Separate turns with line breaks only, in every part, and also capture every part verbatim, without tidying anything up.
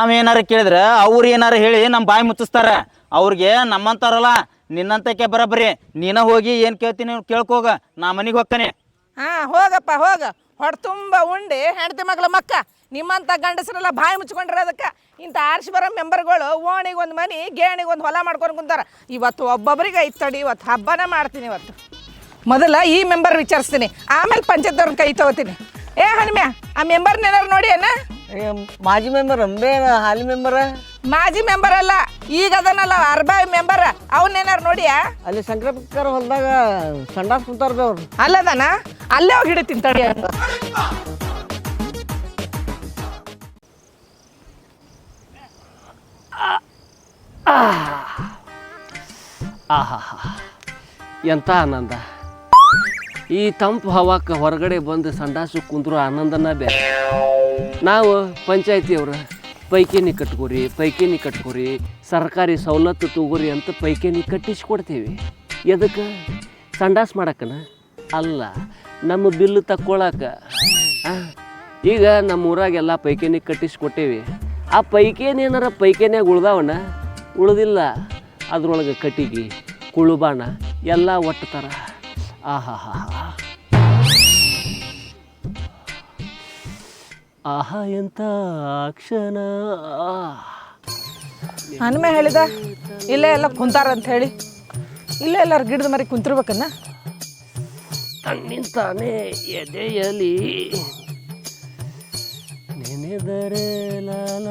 ನಾವೇನಾರ ಕೇಳಿದ್ರೆ ಅವ್ರು ಏನಾರ ಹೇಳಿ ನಮ್ಮ ಬಾಯಿ ಮುಚ್ಚಿಸ್ತಾರ. ಅವ್ರಿಗೆ ನಮ್ಮಂತಾರಲ್ಲ ನಿನ್ನಂತಕ್ಕೆ ಬರಬರಿ ನೀನ ಹೋಗಿ ಏನು ಕೇಳ್ತೀನಿ ಕೇಳ್ಕೋಗ, ನಾ ಮನೆಗೆ ಹೋಗ್ತಾನೆ.
ಹಾಂ ಹೋಗಪ್ಪ ಹೋಗ, ಹೊಟ್ಟೆ ತುಂಬ ಉಂಡು ಹೆಂಡತಿ ಮಗಳ ಮಕ್ಕ ನಿಮ್ಮಂಥ ಗಂಡಸರೆಲ್ಲ ಬಾಯಿ ಮುಚ್ಕೊಂಡ್ರೆ ಅದಕ್ಕೆ ಇಂಥ ಆರ್ಸಿ ಬರೋ ಮೆಂಬರ್ಗಳು ಓಣಿಗೆ ಒಂದು ಮನೆ ಗೇಣಿಗೆ ಒಂದು ಹೊಲ ಮಾಡ್ಕೊಂಡು ಕುಂತಾರ. ಇವತ್ತು ಒಬ್ಬೊಬ್ರಿಗೆ ಐದು ತಡಿ, ಇವತ್ತು ಹಬ್ಬನ ಮಾಡ್ತೀನಿ. ಇವತ್ತು ಮೊದಲ ಈ ಮೆಂಬರ್ ವಿಚಾರಿಸ್ತೀನಿ, ಆಮೇಲೆ ಪಂಚಾಯತ್ದವ್ರನ್ನ ಕೈ ತಗೋತೀನಿ. ಏ ಹನುಮ್ಯಾ, ಆ ಮೆಂಬರ್ನ ಏನಾರು ನೋಡಿ ಅಣ್ಣ.
ಮಾಜಿ ಮೆಂಬರ್ ಅಂಬೇ ಹಾಲಿ ಮೆಂಬರ
ಮಾಜಿ ಮೆಂಬರ್ ಅಲ್ಲ, ಈಗ ಅದನ್ನಲ್ಲ ಅರ್ಬಾಯಿ ಮೆಂಬರ್, ಅವನ್ನೇನಾರು ನೋಡಿಯಾ?
ಅಲ್ಲಿ ಸಂಕ್ರಮಕ್ಕರ ಹೊಲದಾಗ ಸಂಡಾಸ್ ಕುಂತಾರ ಬೇ ಅವ್ರು.
ಅಲ್ಲದನ ಅಲ್ಲೇ ಹೋಗಿ ಹಿಡಿತೀನಿ ತಡಿ.
ಆಹಾ ಎಂಥ ಆನಂದ! ಈ ತಂಪು ಹವಾಕ್ಕೆ ಹೊರಗಡೆ ಬಂದು ಸಂಡಾಸು ಕುಂದ್ರು ಆನಂದನ ಬೇರೆ. ನಾವು ಪಂಚಾಯತಿಯವ್ರು ಪೈಕೇನಿ ಕಟ್ಕೋರಿ ಪೈಕೇನಿ ಕಟ್ಕೋರಿ ಸರ್ಕಾರಿ ಸವಲತ್ತು ತಗೋರಿ ಅಂತ ಪೈಕೇನಿ ಕಟ್ಟಿಸ್ಕೊಡ್ತೀವಿ. ಎದಕ್ಕೆ? ಸಂಡಾಸ್ ಮಾಡಕ್ಕನ ಅಲ್ಲ, ನಮ್ಮ ಬಿಲ್ಲು ತಕ್ಕೊಳಕ್ಕೆ. ಈಗ ನಮ್ಮ ಊರಾಗೆಲ್ಲ ಪೈಕೇನಿ ಕಟ್ಟಿಸ್ಕೊಟ್ಟೇವಿ. ಆ ಪೈಕೇನಿ ಏನಾರ ಪೈಕೇನಿಯಾಗ ಉಳ್ದಾವಣ್ಣ ಉಳ್ದಿಲ್ಲ, ಅದ್ರೊಳಗೆ ಕಟ್ಟಿಗೆ ಕುಳುಬಾಣ ಎಲ್ಲ ಒಟ್ಟತಾರ. ಆಹಾ ಹಾ ಆಹಾ ಎಂತ ಕ್ಷಣ.
ಹನುಮೆ ಹೇಳಿದ ಇಲ್ಲೇ ಎಲ್ಲ ಕುಂತಾರ ಅಂತ ಹೇಳಿ, ಇಲ್ಲೇ ಎಲ್ಲಾರು ಗಿಡದ ಮರಿ ಕುಂತಿರ್ಬೇಕನ್ನ.
ತನ್ನಿಂತಾನೆ ಎದೆಯಲಿ ನೆನೆದರೆ ಲಾಲ.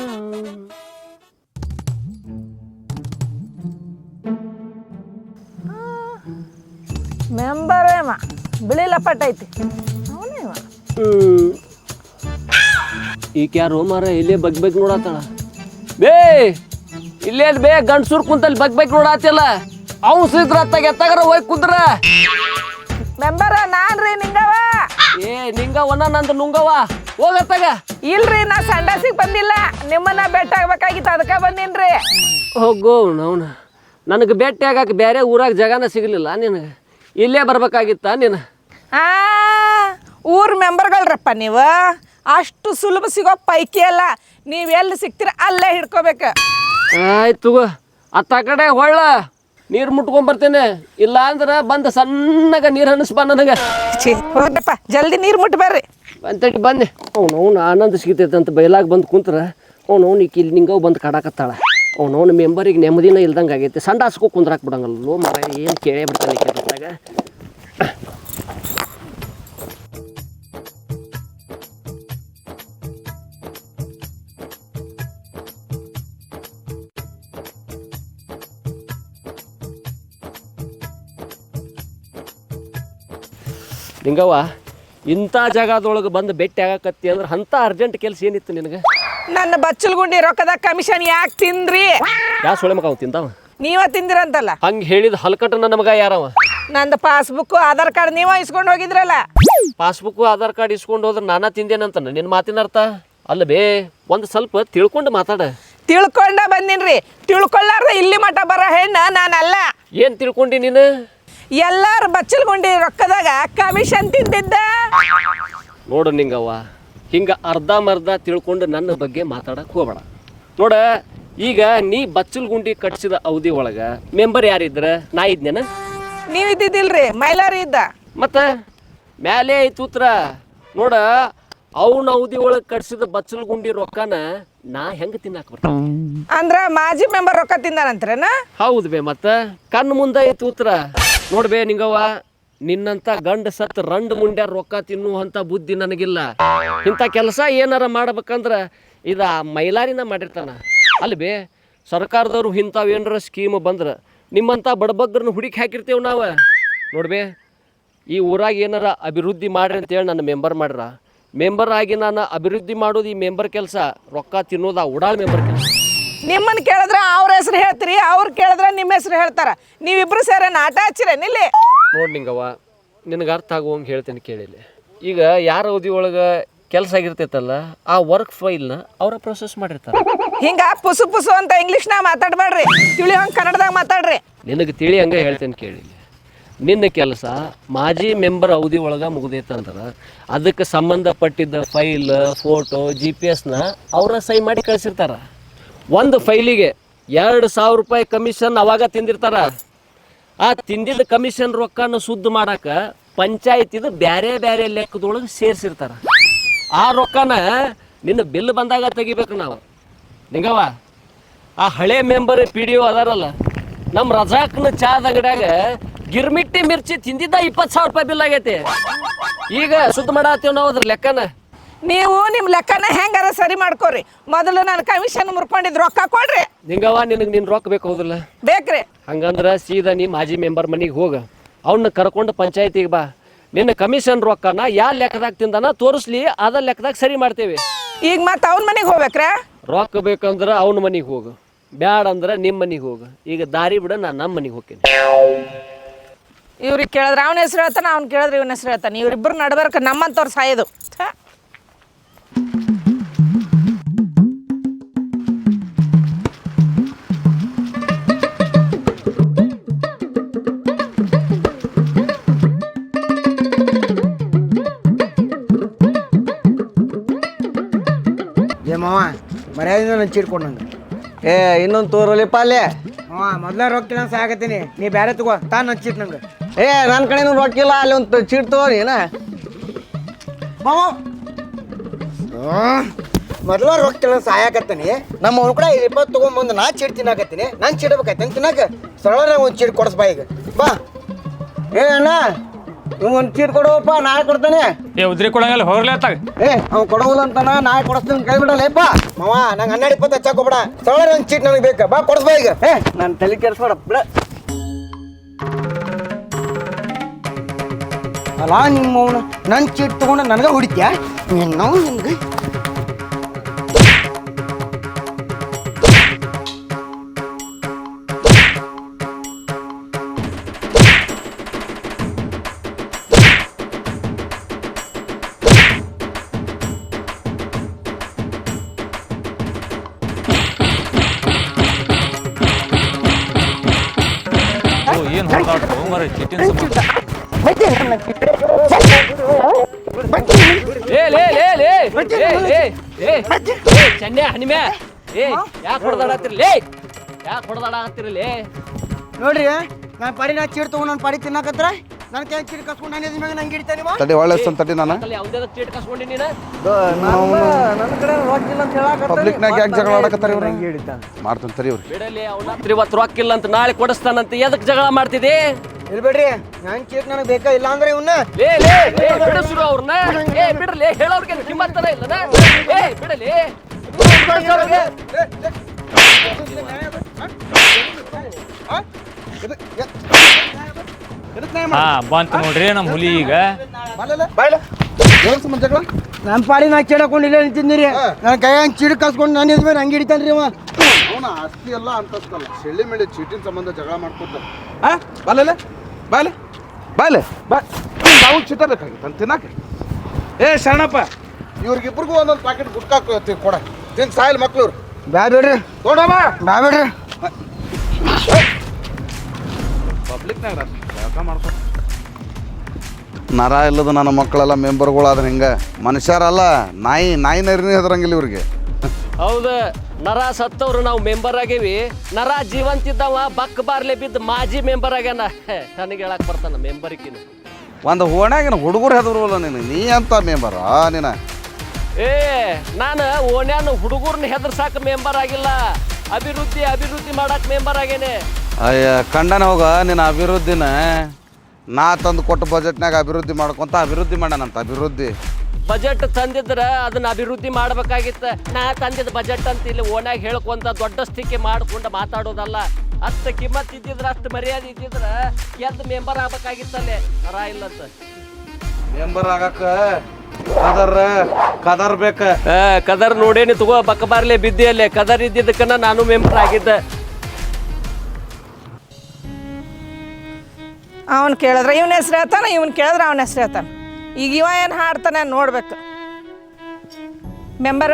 ಮೆಂಬರೇಮ ಬಿಳಿ ಲಪಟ್ ಐತಿ ಅವನೇವ.
ಈಗ ಯಾರು ಮಾರ ಇಲ್ಲೇ ಬಗ್ ಬಗ್ ನೋಡತ್ತಾಳ. ಬೇ ಇಲ್ಲೇ ಬೇ ಗಂಡ್ಸೂರ್ ಕುಂತಲ್ಲಿ ಬಗ್ ಬಗ್ ನೋಡತ್ತಿಲ್ಲ. ಅವ್ ಸಿದ್ರ ಅತ್ತಾಗ ಎತ್ತಾಗರ ಹೋಗಿ ಕುಂದ್ರ.
ಮೆಂಬರ ನಾನ್ರಿ ನಿಂಗವ.
ಏ ನಿಂಗವನ ನಂದು ನುಂಗವ ಹೋಗತ್ತಾಗ.
ಇಲ್ರಿ ನಾ ಸಂಡಾಸಿಗೆ ಬಂದಿಲ್ಲ, ನಿಮ್ಮನ್ನ ಭೇಟಿ ಆಗ್ಬೇಕಾಗಿತ್ತು ಅದಕ್ಕೆ ಬಂದೀನ್ರಿ.
ಹೋಗೋ ನವ್ನ, ನನಗೆ ಭೇಟಿ ಆಗಕ್ಕೆ ಬೇರೆ ಊರಾಗ ಜಗನ ಸಿಗಲಿಲ್ಲ, ನಿನಗೆ ಇಲ್ಲೇ ಬರ್ಬೇಕಾಗಿತ್ತ ನೀನು.
ಆ ಊರ್ ಮೆಂಬರ್ಗಳ್ರಪ್ಪ ನೀವು, ಅಷ್ಟು ಸುಲಭ ಸಿಗೋ ಪೈಕಿ ಅಲ್ಲ. ನೀವು ಎಲ್ಲಿ ಸಿಗ್ತೀರ ಅಲ್ಲೇ ಹಿಡ್ಕೋಬೇಕು.
ಆಯ್ತು ಅತ್ತ ಕಡೆ ಹೊಳ್ಳ ನೀರು ಮುಟ್ಕೊಂಡ್ಬರ್ತೇನೆ, ಇಲ್ಲ ಅಂದ್ರೆ ಬಂದು ಸಣ್ಣಗ ನೀರು ಹನಿಸ್ಬಾ ನನಗೆ.
ಹೋಗ್ರಪ್ಪ ಜಲ್ದಿ ನೀರು ಮುಟ್ಟಿ ಬರ್ರಿ.
ಅಂತೇಳಿ ಬಂದೆ. ಅವ್ನು ಅವ್ನು ಆನಂದ ಸಿಗ್ತೈತೆ ಅಂತ ಬಯಲಾಗ ಬಂದು ಕುಂತ್ರ ಅವ್ನು ಅವ್ನು ಈಗ ಇಲ್ಲಿ ನಿಂಗವ್ ಬಂದು ಕಾಡಾಕತ್ತಾಳ. ಅವ್ನು ಅವ್ನ ಮೆಂಬರಿಗೆ ನೆಮ್ಮದಿನ ಇಲ್ದಂಗೆ ಆಗೈತೆ. ಸಂಡ ಹಸ್ಕೋ ಕುಂದ್ರಾಕ್ ಬಿಡಂಗಲ್ಲೋ ಮರ, ಏನು ಕೇಳೇ ಬಿಡ್ತಾನೆ ಕೆಲ್ಸದಾಗ. ನಿಂಗವ್ವ, ಇಂಥ ಜಾಗದೊಳಗೆ ಬಂದು ಭೇಟಿ ಆಗಕತ್ತಿ ಅಂದ್ರೆ ಅಂಥ ಅರ್ಜೆಂಟ್ ಕೆಲಸ ಏನಿತ್ತು ನಿನಗೆ?
ನನ್ನ ಬಚ್ಚಲ್ಗುಂಡಿ ರೊಕ್ಕದ ಕಮಿಷನ್ ಯಾಕೆ ತಿಂದ್ರಿ?
ಯಾ ಸೊಳೆ ಮಗ ಅವ ತಿಂದವ?
ನೀವ ತಿಂದಿರಂತಲ್ಲ.
ಹಂಗೆ ಹೇಳಿದ ಹಲ್ಕಟ್ಟ ನನ್ನ ಮಗ ಯಾರವ?
ನಂದು ಪಾಸ್ಬುಕ್ ಆಧಾರ್ ಕಾರ್ಡ್ ನೀವ ಇಸ್ಕೊಂಡು ಹೋಗಿದ್ರಲ್ಲ.
ಪಾಸ್ಬುಕ್ ಆಧಾರ್ ಕಾರ್ಡ್ ಇಸ್ಕೊಂಡು ಹೋದ್ರೆ ನಾನಾ ತಿಂದೇನಂತ ನಿನ್ನ ಮಾತಿನ ಅರ್ಥ ಅಲ್ಲ ಬೇ. ಒಂದು ಸ್ವಲ್ಪ ತಿಳ್ಕೊಂಡು ಮಾತಾಡ.
ತಿಳ್ಕೊಂಡ ಬಂದಿನ್ರಿ, ತಿಳ್ಕೊಳ್ಳಾರ್ದ ಇಲ್ಲಿ ಮಠ ಬರೋ ಹೆಣ್ಣ ನಾನಲ್ಲ.
ಏನು ತಿಳ್ಕೊಂಡಿ ನೀನು?
ಎಲ್ಲಾರು ಬಚ್ಚಲ್ಗುಂಡಿ ರೊಕ್ಕದಾಗ ಕಮಿಷನ್ ತಿಂದಿದ್ದ.
ನೋಡು ನಿಂಗವ್ವ, ಹಿಂಗೆ ಅರ್ಧ ಮರ್ಧ ತಿಳ್ಕೊಂಡು ನನ್ನ ಬಗ್ಗೆ ಮಾತಾಡಕ್ಕೆ ಹೋಗ್ಬೇಡ. ನೋಡ, ಈಗ ನೀ ಬಚ್ಚಲ್ ಗುಂಡಿ ಕಟ್ಸಿದ ಅವಧಿ ಒಳಗೆ ಮೆಂಬರ್ ಯಾರಿದ್ರ? ನಾ ಇದ್ನೇನ?
ನೀವು ಇದ್ದಿದ್ದಿಲ್ರಿ, ಮೈಲಾರಿ ಇದ್ದ.
ಮತ್ತು ಮ್ಯಾಲೆ ಐತು ಉತ್ತರ. ನೋಡ, ಅವನ ಅವಧಿ ಒಳಗೆ ಕಟ್ಸಿದ ಬಚ್ಚಲ್ ಗುಂಡಿ ರೊಕ್ಕನ ನಾ ಹೆಂಗೆ ತಿನ್ನಾಕ ಬರ್ತಾವ?
ಅಂದ್ರ ಮಾಜಿ ಮೆಂಬರ್ ರೊಕ್ಕ ತಿಂದಾನಂತ್ರನ?
ಹೌದು ಬೇ, ಮತ್ತು ಕಣ್ಣು ಮುಂದೆ ಐತು ಉತ್ತರ. ನೋಡ್ಬೇ ನಿಂಗವ್ವ, ನಿನ್ನಂಥ ಗಂಡ ಸತ್ ರಂಡ್ ಮುಂಡ್ಯಾರ ರೊಕ್ಕ ತಿನ್ನುವಂಥ ಬುದ್ಧಿ ನನಗಿಲ್ಲ. ಇಂಥ ಕೆಲಸ ಏನಾರ ಮಾಡ್ಬೇಕಂದ್ರೆ ಇದು ಮೈಲಾರಿನ ಮಾಡಿರ್ತಾನ. ಅಲ್ಲಿ ಬೇ, ಸರ್ಕಾರದವ್ರು ಇಂಥವು ಏನಾರ ಸ್ಕೀಮ್ ಬಂದ್ರೆ ನಿಮ್ಮಂಥ ಬಡಬಗ್ಗರನ್ನ ಹುಡುಕಿ ಹಾಕಿರ್ತೇವೆ ನಾವು. ನೋಡ್ಬೇ, ಈ ಊರಾಗ ಏನಾರ ಅಭಿವೃದ್ಧಿ ಮಾಡ್ರಿ ಅಂತೇಳಿ ನನ್ನ ಮೆಂಬರ್ ಮಾಡ್ರ. ಮೆಂಬರ್ ಆಗಿ ನಾನು ಅಭಿವೃದ್ಧಿ ಮಾಡೋದು ಈ ಮೆಂಬರ್ ಕೆಲಸ, ರೊಕ್ಕ ತಿನ್ನೋದು ಆ ಉಡಾಳ್ ಮೆಂಬರ್ ಕೆಲಸ.
ನಿಮ್ಮನ್ನ ಕೇಳಿದ್ರೆ ಅವ್ರ ಹೆಸರು ಹೇಳ್ತೀರಿ, ಅವ್ರು ಕೇಳಿದ್ರೆ ನಿಮ್ಮ ಹೆಸರು ಹೇಳ್ತಾರ. ನೀವಿಬ್ರು ಸೇರ ನಾಟ ಹಚ್ಚಿರೇನು ಇಲ್ಲಿ?
ನೋಡಿ ನಿಂಗವ್ವ, ನಿನಗೆ ಅರ್ಥ ಆಗುವಂಗೆ ಹೇಳ್ತೇನೆ ಕೇಳಿಲ್ಲ. ಈಗ ಯಾರ ಅವಧಿ ಒಳಗೆ ಕೆಲಸ ಆಗಿರ್ತೈತಲ್ಲ, ಆ ವರ್ಕ್ ಫೈಲ್ನ ಅವರ ಪ್ರೊಸೆಸ್ ಮಾಡಿರ್ತಾರೆ.
ಹಿಂಗ ಪುಸು ಪುಸು ಅಂತ ಇಂಗ್ಲೀಷ್ನಾಗ ಮಾತಾಡ್ಬೇಡ್ರಿ, ತಿಳಿ ಹಂಗೆ ಕನ್ನಡದಾಗ ಮಾತಾಡ್ರಿ.
ನಿನಗೆ ತಿಳಿ ಹಂಗೆ ಹೇಳ್ತೇನೆ ಕೇಳಿಲ್ಲ. ನಿನ್ನ ಕೆಲಸ ಮಾಜಿ ಮೆಂಬರ್ ಅವಧಿ ಒಳಗೆ ಮುಗ್ದೈತಂದ್ರೆ ಅದಕ್ಕೆ ಸಂಬಂಧಪಟ್ಟಿದ್ದ ಫೈಲ್ ಫೋಟೋ ಜಿ ಪಿ ಎಸ್ನ ಅವರ ಸೈ ಮಾಡಿ ಕಳಿಸಿರ್ತಾರ. ಒಂದು ಫೈಲಿಗೆ ಎರಡು ಸಾವಿರ ರೂಪಾಯಿ ಕಮಿಷನ್ ಅವಾಗ ತಿಂದಿರ್ತಾರ. ಆ ತಿಂದಿದ್ದ ಕಮಿಷನ್ ರೊಕ್ಕನ ಸುದ್ದ ಮಾಡಕ್ಕೆ ಪಂಚಾಯತಿದು ಬೇರೆ ಬೇರೆ ಲೆಕ್ಕದೊಳಗೆ ಸೇರಿಸಿರ್ತಾರ. ಆ ರೊಕ್ಕನ ನಿನ್ನ ಬಿಲ್ ಬಂದಾಗ ತೆಗಿಬೇಕು ನಾವು. ನಿಂಗವ ಆ ಹಳೆ ಮೆಂಬರ್ ಪಿ ಡಿ ಒ ಅದಾರಲ್ಲ, ನಮ್ಮ ರಜಾಕ್ನ ಚಾದ ಅಂಗಡ್ಯಾಗ ಗಿರ್ಮಿಟ್ಟಿ ಮಿರ್ಚಿ ತಿಂದಿದ್ದ ಇಪ್ಪತ್ತು ಸಾವಿರ ರೂಪಾಯಿ ಬಿಲ್ ಆಗೈತಿ. ಈಗ ಸುದ್ದ ಮಾಡತ್ತೀವಿ ನಾವು ಅದ್ರ ಲೆಕ್ಕನ.
ನೀವು ನಿಮ್ಮ ಲೆಕ್ಕನ ಹೆಂಗಾರ ಸರಿ ಮಾಡ್ಕೋರಿ. ಮೊದಲು ನಾನು ಕಮಿಷನ್ ಮುರ್ಕೊಂಡಿದ್ದು ರೊಕ್ಕ ಕೊಡ್ರಿ.
ನಿಂಗವ ನಿನಗೆ ನಿನ್ನ ರೊಕ್ಕ ಬೇಕು ಹೌದಿಲ್ಲ?
ಬೇಕ್ರಿ.
ಹಂಗಂದ್ರೆ ಸೀದಾ ನೀ ಮಾಜಿ ಮೆಂಬರ್ ಮನೆಗೆ ಹೋಗ, ಅವನ್ನ ಕರ್ಕೊಂಡು ಪಂಚಾಯತಿಗೆ ಬಾ. ನಿನ್ನ ಕಮಿಷನ್ ರೊಕ್ಕನ ಯಾವ ಲೆಕ್ಕದಾಗ ತಿಂದಾನ ತೋರಿಸ್ಲಿ, ಅದ ಲೆಕ್ಕದಾಗ ಸರಿ ಮಾಡ್ತೇವೆ.
ಈಗ ಮತ್ತೆ ಅವ್ನ ಮನೆಗೆ ಹೋಗ್ಬೇಕ್ರ?
ರೊಕ್ಕ ಬೇಕಂದ್ರೆ ಅವನ ಮನೆಗೆ ಹೋಗು, ಬ್ಯಾಡ ಅಂದ್ರೆ ನಿಮ್ಮ ಮನೆಗೆ ಹೋಗು. ಈಗ ದಾರಿ ಬಿಡ, ನಾನು ನಮ್ಮ ಮನೆಗೆ ಹೋಗ್ತೀನಿ.
ಇವ್ರಿಗೆ ಕೇಳಿದ್ರೆ ಅವನ ಹೆಸರು ಹೇಳ್ತಾನೆ, ಅವ್ನು ಕೇಳಿದ್ರೆ ಇವನ ಹೆಸರು ಹೇಳ್ತಾನೆ. ಇವ್ರಿಬ್ಬರು ನಡ್ಬರ್ಕ ನಮ್ಮಂತವ್ರು ಸಾಯೋದು.
ಏ ಮಾವ ಮರ್ಯಾದಿಂದ ನಾನು ಚೀಟ್ಕೊಂಡು ನಂಗೆ. ಏ ಇನ್ನೊಂದು ತೋರಲಿಪ್ಪ ಅಲ್ಲೇ. ಹಾಂ ಮೊದಲ ರೊಕ್ಕಿಲ್ಲ ಸಾಕತ್ತೀನಿ, ನೀ ಬೇರೆ ತಗೋ ತಾ ನನ್ನ ಚೀಟ್ ನಂಗೆ. ಏ ನನ್ನ ಕಡೆನೂ ರೊಕ್ಕಿಲ್ಲ, ಅಲ್ಲಿ ಒಂದು ಚೀಟ್ ತಗೋ ನೀನ. ಮಾವ ಮೊದಲ ರೊಕ್ಕಿಲ್ಲ ಸಾಯಕತ್ತೀನಿ, ನಮ್ಮ ಅವ್ನ ಕೂಡ ಇಪ್ಪತ್ತು ತೊಗೊಂಬಂದು ನಾ ಚೀಟ್ ತಿನ್ನಾಕತ್ತೀನಿ. ನಾನು ಚೀಡ್ಬೇಕಾಯ್ತು ಅಂತ ತಿನ್ನಾಕ ಸರಳ ಒಂದು ಚೀಟ್ ಕೊಡಿಸ್ಬಾ ಈಗ ಬಾ. ಏ ಅಣ್ಣ ಒಂದು ಚೀಟ್ ಕೊಡುವಪ್ಪ, ನಾಳೆ ಕೊಡ್ತಾನೆ.
ಏ ಉದ್ರಿ ಕೊಡಂಗಲ್ಲ ಹೋಗ್ಲೇ ಅತ್ತಾಗ.
ಏ ಅವ್ನು ಕೊಡೋಲ್ಲ ಅಂತಾನ, ನಾಳೆ ಕೊಡಿಸ್ತೀನಿ ಕೈ ಬಿಡಲ್ಲಪ್ಪ. ಮಾವ ನಂಗೆ ಹನ್ನೆರಡು ಇಪ್ಪತ್ತು ಹಚ್ಚಾಕೋಬೇಡ, ಸರಳ ಒಂದು ಚೀಟ್ ನನಗೆ ಬೇಕಾ, ಬಾ ಕೊಡಿಸ್ಬಾ ಈಗ. ಏ ನಾನು ತಲೆ ಕೆಡಿಸ್ಬೇಡ ಬಿಡ. ಅಲ್ಲ ನಿಮ್ಮ ಅವನು ನನ್ನ ಚೀಟ್ ತೊಗೊಂಡು ನನಗೆ ಹೊಡಿತ್ಯಾ ನಾವು ನಿಮ್ಗೆ.
ಏನು ಹೊಡೆದಾಡ್ತು ಮರ ಚಿಟ್ಟಿನ ಸಂಬಂಧ.
ಏ ಲೇ ಲೇ ಲೇ ಏ ಲೇ ಏ ಏ ಚೆನ್ನೆ ಹನಿಮೆ ಏ ಯಾಕೆ ಹೊಡೆದಾಡತ್ತಿರಿ ಲೇ, ಯಾಕೆ ಹೊಡೆದಾಡತ್ತಿರಲೇ?
ನೋಡ್ರಿ ನಾನು ಪಾಡಿ ನಾ ಚೀಟ್ ತೊಗೊಂಡು ನಾನು ಪಾಡಿ ತಿನ್ನಕತ್ರ ನನ್ನ ಕೈ ಚೀಟ್ ಕಸ್ಕೊಂಡು ನಾನು ಮ್ಯಾಗ ನಂಗೆ ಹಿಡಿತಾನೆ.
ತಡಿ ಒಳ್ಳೆ ತಡಿ ನಾನು
ಯಾವುದೇ ಚೀಟ್ ಕಸ್ಕೊಂಡಿ ನೀನು?
ನನ್ನ ಕಡೆ ರೊಕ್ಕಿಲ್ಲ ಅಂತ ಹೇಳಕತ್ತಾರೆ.
ಪಬ್ಲಿಕ್ನಾಗ ಯಾಕೆ ಜಗಳ ಆಡಕತ್ತಾರೆ ಇವ್ರು?
ನಂಗೆ ಹಿಡಿತಾನೆ.
ಮಾಡ್ತಾನೆ ತರಿ ಅವ್ರಿಗೆ.
ಬಿಡಲಿ ಅವನ ಇವತ್ತು ರೊಕ್ಕಿಲ್ಲ ಅಂತ ನಾಳೆ ಕೊಡಿಸ್ತಾನಂತ ಎದಕ್ಕೆ ಜಗಳ ಮಾಡ್ತಿದ್ದಿ?
ಇಲ್ಲಿ ಬಿಡ್ರಿ ನನ್ನ ಚೀಟ್ ನನಗೆ ಬೇಕಾ, ಇಲ್ಲ ಅಂದ್ರೆ ಇವನ್ನ
ಲೇ ಲೇ ಲೇ ಬಿಡಿಸ್ರು ಅವ್ರನ್ನ. ಏ ಬಿಡ್ರಲಿ, ಹೇಳೋರ್ಗೆ ಕಿಮ್ಮತ್ತನ ಇಲ್ಲನ? ಏ ಬಿಡಲಿ.
ಹಾ ಬಂತು ನೋಡ್ರಿ ನಮ್ಮ ಹುಲಿ ಈಗ.
ನನ್ನ ಪಾಡಿ ನಾ ಚೀಡಕೊಂಡು ಇಲ್ಲೇ ನಿಂತಿದ್ದೀರಿ, ನನ್ನ ಕೈ ಹಂಗೆ ಚೀಡ್ ಕಸ್ಕೊಂಡು ನಾನು ಇದ್ಮೇಲೆ ಹಂಗೆ ಹಿಡಿತಾನೆ ರೀ ಅವ.
ಅವನ ಆಸ್ತಿ ಎಲ್ಲ ಅಂತಸ್ತಲ್ಲ, ಶೆಳ್ಳಿ ಮೇಲೆ ಚೀಟಿನ ಸಂಬಂಧ ಜಗಳ ಮಾಡ್ಕೊತಾರೆ. ಆ ಬಾಲೆ ಬಾಲೆ ಬಾಲೆ ಬಾ, ನಾವು ಚೀಟ ಬೇಕಾಗಿತ್ತು ಅಂತ ತಿನ್ನಾಕ. ಏ ಶರಣಪ್ಪ, ಇವ್ರಿಗಿಬ್ರಿಗೂ ಒಂದೊಂದು ಪ್ಯಾಕೆಟ್ ಗುಟ್ಕಾ ಕೊಡ, ತಿನ್ ಸಾಯಿಲ್ ಮಕ್ಳು ಇವ್ರು.
ಬ್ಯಾ ಬಿಡ್ರಿ
ನೋಡಮ್ಮ
ಬ್ಯಾ ಬಿಡ್ರಿ.
ಪಬ್ಲಿಕ್ನಾಗ ಮಾಡ್ಕೊ ನರ ಇಲ್ಲದ ನನ್ನ ಮಕ್ಕಳೆಲ್ಲ ಮೆಂಬರ್ಗಳಾದ್ರೆ ಹಿಂಗೆ ಮನುಷ್ಯರಲ್ಲ, ನಾಯಿ ನಾಯಿ ನರಿನೇ ಹೆದರಂಗಿಲ್ಲ ಇವ್ರಿಗೆ.
ಹೌದು, ನರ ಸತ್ತವ್ರು ನಾವು ಮೆಂಬರ್ ಆಗೇವಿ, ನರ ಜೀವಂತಿದ್ದವ ಬಕ್ ಬಾರ್ಲೆ ಬಿದ್ದು ಮಾಜಿ ಮೆಂಬರ್ ಆಗ್ಯಾನ. ನನಗೆ ಹೇಳಕ್ ಬರ್ತಾನ ಮೆಂಬರ್ಕಿನ.
ಒಂದು ಓಣ್ಯಾಗಿನ ಹುಡುಗರು ಹೆದರ್ವಲ್ಲ ನೀನು, ನೀ ಅಂತ ಮೆಂಬರ ನೀನ?
ಏ ನಾನು ಓಣ್ಯಾನ ಹುಡುಗರ್ನ ಹೆದರ್ಸಾಕ ಮೆಂಬರ್ ಆಗಿಲ್ಲ, ಅಭಿವೃದ್ಧಿ ಅಭಿವೃದ್ಧಿ ಮಾಡಕ್ ಮೆಂಬರ್ ಆಗೇನೆ.
ಅಯ್ಯ ಕಂಡನ ಹೋಗ ನಿನ್ನ ಅಭಿವೃದ್ಧಿನ ನಾ ತಂದು ಕೊಟ್ಟ ಬಜೆಟ್ನಾಗ ಅಭಿವೃದ್ಧಿ ಮಾಡ್ಕೊಂತ ಅಭಿವೃದ್ಧಿ ಮಾಡ್ಯಾನಂತ. ಅಭಿವೃದ್ಧಿ
ಬಜೆಟ್ ತಂದಿದ್ರ ಅದನ್ನ ಅಭಿವೃದ್ಧಿ ಮಾಡ್ಬೇಕಾಗಿತ್ತ. ನಾ ತಂದಿದ್ದ ಬಜೆಟ್ ಅಂತ ಇಲ್ಲಿ ಓಣ್ಯಾಗ ಹೇಳ್ಕೊಂತ ದೊಡ್ಡ ಸ್ಥಿತಿ ಮಾಡ್ಕೊಂಡು ಮಾತಾಡೋದಲ್ಲ. ಅಷ್ಟು ಕಿಮ್ಮತ್ ಇದ್ದಿದ್ರ, ಅಷ್ಟು ಮರ್ಯಾದೆ ಇದ್ದಿದ್ರ ಎದ್ದು ಮೆಂಬರ್ ಆಗ್ಬೇಕಾಗಿತ್ತಲ್ಲೇ. ನರ ಇಲ್ಲಂತ
ಮೆಂಬರ್ ಆಗಕ್ಕ ಕದರ್ ಕದರ್ ಬೇಕ.
ಕದರ್ ನೋಡೇನಿ ತಗೋ, ಬಕ್ಕ ಬಾರ್ಲೆ ಬಿದ್ದಿ ಅಲ್ಲೇ. ಕದರ್ ಇದ್ದಿದ್ದಕ್ಕನ ನಾನು ಮೆಂಬರ್ ಆಗಿದ್ದೆ.
ಅವನು ಕೇಳಿದ್ರೆ ಇವನ ಹೆಸ್ರು ಹೇಳ್ತಾನೆ, ಇವನು ಕೇಳಿದ್ರೆ ಅವನ ಹೆಸ್ರು ಹೇಳ್ತಾನೆ. ಈಗ ಇವ ಏನು ಹಾಡ್ತಾನೆ ನೋಡ್ಬೇಕು. ಮೆಂಬರ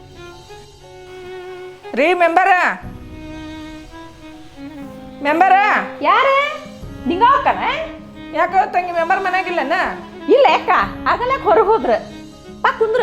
ರೀ, ಮೆಂಬರ ಮೆಂಬರ
ಯಾರೇ ನಿಂಗ ಹೋಗ್ತಾನೆ
ಯಾಕ ತಂಗಿ ಮೆಂಬರ್ ಮನ್ಯಾಗಿಲ್ಲನ?
ಇಲ್ಲ ಯಾಕ ಆಗಲ್ಲ ಹೊರಗೆ ಹೋದ್ರ ಪಾ ಕುಂದ್ರ.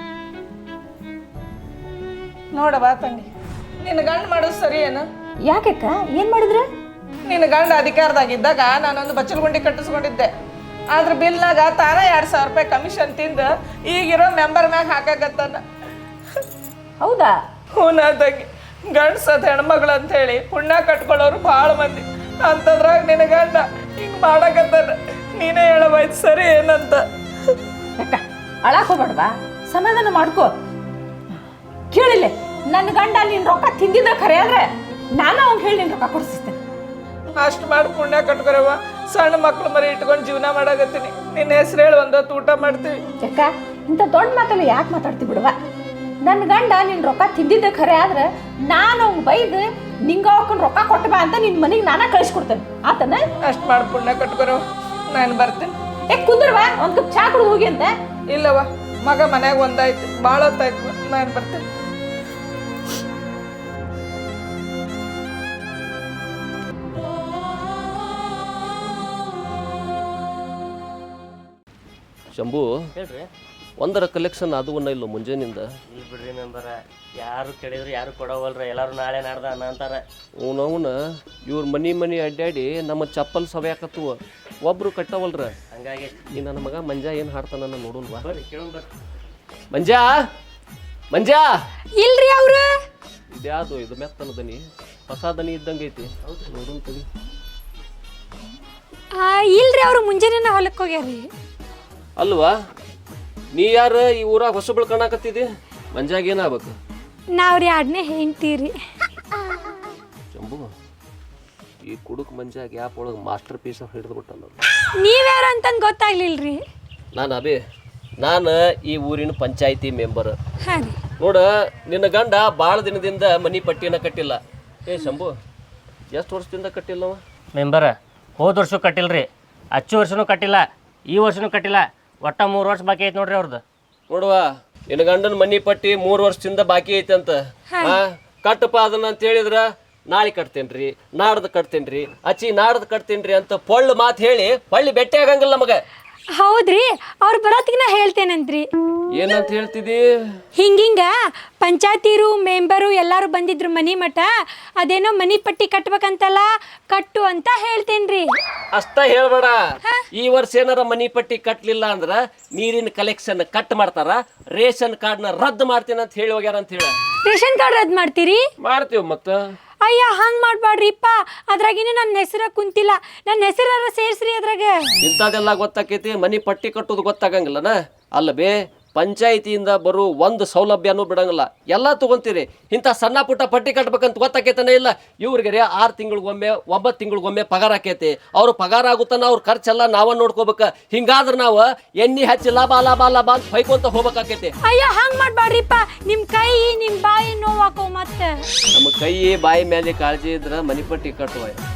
ನೋಡವ ತಂಗಿ, ನಿನ್ನ ಗಂಡ ಮಾಡೋದು ಸರಿ ಏನು?
ಯಾಕಕ್ಕ ಏನ್ ಮಾಡಿದ್ರ?
ನಿನ್ನ ಗಂಡ ಅಧಿಕಾರದಾಗಿದ್ದಾಗ ನಾನೊಂದು ಬಚ್ಚಲ್ ಗುಂಡಿ ಕಟ್ಟಿಸ್ಕೊಂಡಿದ್ದೆ. ಆದ್ರ ಬಿಲ್ನಾಗ ತಾನ ಎರಡ್ ಸಾವಿರ ರೂಪಾಯಿ ಕಮಿಷನ್ ತಿಂದು ಈಗಿರೋ ಮೆಂಬರ್ ಮ್ಯಾಗ ಹಾಕಾಗತ್ತಾನ.
ಹೌದಾ?
ಹೂನಾ ತಂಗಿ, ಗಂಡ್ಸದ್ ಹೆಣ್ಮಗಳು ಅಂತ ಹೇಳಿ ಪುಣ್ಯ ಕಟ್ಕೊಳ್ಳೋರು ಭಾಳ ಮಂದಿ. ಅಂತದ್ರಾಗ ನಿನ್ನ ಗಂಡ ಹಿಂಗ್ ಮಾಡಕತ್ತಾನ. ನೀನೇ ಹೇಳವಾಯ್ತು ಸರಿ ಏನಂತ.
ಯಾಕ ಅಳಾಕ್ ಹೋಗ್ಬೇಡ್ವಾ, ಸಮಾಧಾನ ಮಾಡ್ಕೋ. ಕೇಳಿಲ್ಲ, ನನ್ನ ಗಂಡ ನೀನ್ ರೊಕ್ಕ ತಿಂದಿದ್ದ ಖರೆ ಆದ್ರೆ ನಾನು ಅವ್ನ್ ಹೇಳಿ ನಿನ್ ರೊಕ್ಕ ಕೊಡಿಸ್ತೇನೆ.
ಅಷ್ಟು ಮಾಡಿ ಪುಣ್ಯ ಕಟ್ಕೊರವ. ಸಣ್ಣ ಮಕ್ಳು ಮರಿ ಇಟ್ಕೊಂಡು ಜೀವನ ಮಾಡಾಕತ್ತೀನಿ. ನಿನ್ನ ಹೆಸರು ಹೇಳಿ ಒಂದೊತ್ತು ಊಟ ಮಾಡ್ತೀವಿ.
ಯಾಕ ಇಂಥ ದೊಡ್ಡ ಮಾತಲ್ಲ ಯಾಕೆ ಮಾತಾಡ್ತಿ ಬಿಡುವ? ನನ್ನ ಗಂಡ ನಿನ್ ರೊಕ್ಕ ತಿಂದಿದ್ದ ಖರೆ ಆದ್ರೆ ನಾನು ಅವ್ನ್ ಬೈದು ನಿಂಗ ಅವಕ್ಕನ್ ರೊಕ್ಕ ಕೊಟ್ಟ ಬಾ ಅಂತ ನಿನ್ ಮನೆಗೆ ನಾನ ಕಳಿಸ್ಕೊಡ್ತೇನೆ ಆತನ.
ಅಷ್ಟು ಮಾಡಿ ಪುಣ್ಯ ಕಟ್ಕೊರವ, ನಾನು ಬರ್ತೀನಿ.
ಏ ಕುಂದ್ರವಾ, ಒಂದ್ ಕಪ್ ಚಾ ಕುಡಿದು ಹೋಗಿ ಅಂತ.
ಇಲ್ಲವ, ಮಗ ಮನ್ಯಾಗ ಒಂದಾಯ್ತು, ಭಾಳ ಹೊತ್ತಾಯ್ತು, ನಾನು ಬರ್ತೀನಿ.
ಶಂಭು
ಹೇಳ್ರಿ.
ಒಂದರ ಕಲೆಕ್ಷನ್ ಅದು ಒನ್ನ ಇಲ್ಲ ಮುಂಜಾನಿಂದ.
ಈ ಬಿಡ್ರಿ ಮೆಂಬರ, ಯಾರು ಕೇಳಿದ್ರು ಯಾರು ಕೊಡವಲ್ರ. ಎಲ್ಲಾರು ನಾಳೆ ನಾಡ್ದ ಅನ್ನ ಅಂತಾರ.
ಅವನವನ ಇವ್ರ ಮನಿ ಮನಿ ಅಡ್ಡಾಡಿ ನಮ್ಮ ಚಪ್ಪಲ್ ಸವ್ಯಾಕತ್ತವ, ಒಬ್ರು ಕಟ್ಟವಲ್ರ.
ಹಂಗಾಗಿ
ಈ ನನ್ನ ಮಗ ಮಂಜ ಏನು ಹಾಡ್ತಾನ ನೋಡುಲ್ವಾ?
ಬರ್ರಿ ಕೇಳೋಣ ಬರ್ರಿ.
ಮಂಜಾ ಮಂಜಾ
ಇಲ್ರಿ ಅವ್ರ
ಇದ್ಯಾವುದು ಇದು ಮೆತ್ತನ ದನಿ, ಹೊಸ ದನಿ ಇದ್ದಂಗೆ ಐತಿ. ನೋಡು ತಡಿ.
ಇಲ್ರಿ ಅವ್ರು ಮುಂಜಾನೆ ಹೊಲಕ್ಕೆ ಹೋಗ್ಯಾರಿ.
ಅಲ್ವಾ, ನೀ ಯಾರ ಈ ಊರಾಗ ಹೊಸಬಳು ಕಾಣಕತ್ತಿದಿ? ಮಂಜಾಗ ಏನಾಗ್ಬೇಕು?
ನಾವ್ರಿ ಆಡ್ನೆ ಹೆಂಡ್ತೀರಿ.
ಶಂಭು, ಈ ಕುಡುಕ್ ಮಂಜಾಗ ಯಾಪ್ ಒಳಗೆ ಮಾಸ್ಟರ್ ಪೀಸ್ ಹಿಡಿದು ಬಿಟ್ಟಲ್ಲ.
ನೀವ್ಯಾರು ಅಂತಂದು ಗೊತ್ತಾಗ್ಲಿಲ್ರಿ.
ನಾನು ಅಬೇ, ನಾನು ಈ ಊರಿನ ಪಂಚಾಯತಿ ಮೆಂಬರ್.
ಹಾಂ ರೀ.
ನೋಡ, ನಿನ್ನ ಗಂಡ ಭಾಳ ದಿನದಿಂದ ಮನಿ ಪಟ್ಟಿನ ಕಟ್ಟಿಲ್ಲ. ಏ ಶಂಭು, ಎಷ್ಟು ವರ್ಷದಿಂದ ಕಟ್ಟಿಲ್ಲವ?
ಮೆಂಬರ, ಹೋದ ವರ್ಷ ಕಟ್ಟಿಲ್ರಿ, ಹಚ್ಚು ವರ್ಷನೂ ಕಟ್ಟಿಲ್ಲ, ಈ ವರ್ಷನೂ ಕಟ್ಟಿಲ್ಲ. ಒಟ್ಟ ಮೂರು ವರ್ಷ ಬಾಕಿ ಐತೆ ನೋಡ್ರಿ ಅವ್ರದ್ದು.
ನೋಡುವ, ನಿನ್ನ ಗಂಡನ ಮನಿ ಪಟ್ಟಿ ಮೂರು ವರ್ಷದಿಂದ ಬಾಕಿ ಐತೆ ಅಂತ. ಹಾ, ಕಟ್ಟಪ್ಪ ಅದನ್ನ ಅಂತ ಹೇಳಿದ್ರ ನಾಳೆ ಕಟ್ತೇನ್ರಿ, ನಾಡ್ದು ಕಟ್ತೇನ್ರಿ, ಅಚ್ಚಿ ನಾಡ್ದು ಕಟ್ತೇನ್ರಿ ಅಂತ ಪೊಳ್ಳು ಮಾತು ಹೇಳಿ ಹೊಳ್ಳಿ ಬೆಟ್ಟೆ ಆಗಂಗಿಲ್ಲ ನಮಗ.
ಹೌದ್ರಿ, ಅವ್ರು ಬರೋತ್ತಿಗೆ ನಾ ಹೇಳ್ತೇನಂತ್ರಿ.
ಏನಂತ ಹೇಳ್ತಿದಿ?
ಹಿಂಗಿಂಗ ಪಂಚಾಯತಿರು ಮೆಂಬರು ಎಲ್ಲಾರು ಬಂದಿದ್ರು ಮನಿ ಮಠ, ಅದೇನೋ ಮನಿ ಪಟ್ಟಿ ಕಟ್ಬೇಕಂತಲ್ಲ, ಕಟ್ಟು ಅಂತ ಹೇಳ್ತೇನ್ರಿ.
ಅಷ್ಟ ಹೇಳ್ಬೇಡ. ಈ ವರ್ಷ ಏನಾರ ಮನಿ ಪಟ್ಟಿ ಕಟ್ಲಿಲ್ಲ ಅಂದ್ರ ನೀರಿನ ಕಲೆಕ್ಷನ್ ಕಟ್ ಮಾಡ್ತಾರ, ರೇಷನ್ ಕಾರ್ಡ್ನ ರದ್ದು ಮಾಡ್ತೀನಿ ಅಂತ ಹೇಳಿ ಹೋಗ್ಯಾರ ಅಂತ ಹೇಳ.
ರೇಷನ್ ಕಾರ್ಡ್ ರದ್ದು ಮಾಡ್ತೀರಿ?
ಮಾಡ್ತೀವಿ ಮತ್ತ.
ಅಯ್ಯ, ಹಂಗೆ ಮಾಡಬೇಡ್ರಿಪ್ಪ. ಅದ್ರಾಗಿನ ನನ್ನ ಹೆಸರ ಕುಂತಿಲ್ಲ, ನನ್ನ ಹೆಸರಾರ ಸೇರಿಸ್ರಿ ಅದ್ರಾಗ.
ಇಂಥದೆಲ್ಲ ಗೊತ್ತಾಕೈತಿ, ಮನಿ ಪಟ್ಟಿ ಕಟ್ಟೋದು ಗೊತ್ತಾಗಂಗಿಲ್ಲನ? ಅಲ್ಲ ಬೇ, ಪಂಚಾಯಿತಿಯಿಂದ ಬರೋ ಒಂದು ಸೌಲಭ್ಯನೂ ಬಿಡಂಗಿಲ್ಲ, ಎಲ್ಲ ತಗೊಂತೀರಿ. ಇಂಥ ಸಣ್ಣ ಪುಟ್ಟ ಪಟ್ಟಿ ಕಟ್ಬೇಕಂತ ಗೊತ್ತಾಕೈತಾನೆ ಇಲ್ಲ. ಇವ್ರಿಗೆ ಆರು ತಿಂಗಳಿಗೊಮ್ಮೆ ಒಂಬತ್ತು ತಿಂಗಳಿಗೊಮ್ಮೆ ಪಗಾರ ಆಕೈತಿ. ಅವ್ರು ಪಗಾರ ಆಗುತ್ತಾನ ಅವ್ರ ಖರ್ಚೆಲ್ಲ ನಾವ ನೋಡ್ಕೋಬೇಕು. ಹಿಂಗಾದ್ರೆ ನಾವು ಎಣ್ಣೆ ಹಚ್ಚಿ ಲಾಭ ಲಾಭ ಲಾಭ ಅಂತ ಹೊಯ್ಕೊಂತ ಹೋಗ್ಬೇಕಾಕೈತಿ.
ಅಯ್ಯ, ಹಂಗೆ ಮಾಡಬೇಡ್ರಿಪ್ಪ. ನಿಮ್ಮ ಕೈ ನಿಮ್ಮ ಬಾಯಿ ನೋವಾಕೋ ಮತ್ತೆ.
ನಮ್ಮ ಕೈ ಬಾಯಿ ಮೇಲೆ ಕಾಳಜಿ ಇದ್ರೆ ಮನಿ ಪಟ್ಟಿ ಕಟ್ಟುವ.